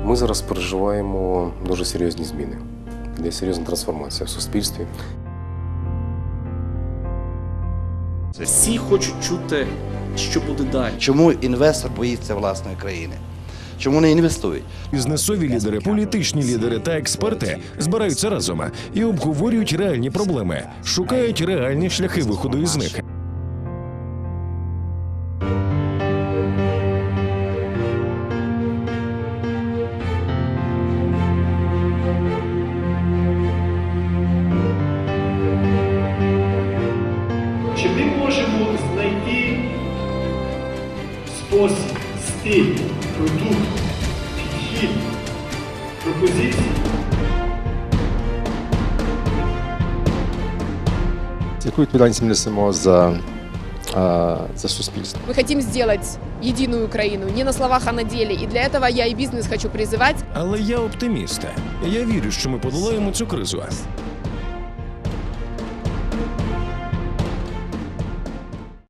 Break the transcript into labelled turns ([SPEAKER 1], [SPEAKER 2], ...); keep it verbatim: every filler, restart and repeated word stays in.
[SPEAKER 1] Ми зараз переживаємо дуже серйозні зміни, де серйозна трансформація в суспільстві.
[SPEAKER 2] Всі хочуть чути, що буде далі.
[SPEAKER 3] Чому інвестор боїться власної країни? Чому не інвестують?
[SPEAKER 4] Бізнесові лідери, політичні лідери та експерти збираються разом і обговорюють реальні проблеми, шукають реальні шляхи виходу із них.
[SPEAKER 5] Чи ми можемо знайти спосіб, стиль, продукт, підхід, пропозиції?
[SPEAKER 6] Яку відповідальність ми несемо за, за суспільство?
[SPEAKER 7] Мы хотим сделать единую Украину, не на словах, а на деле. И для этого я и бизнес хочу призывать.
[SPEAKER 4] Але я оптиміст. Я вірю, що ми подолаємо цю кризу.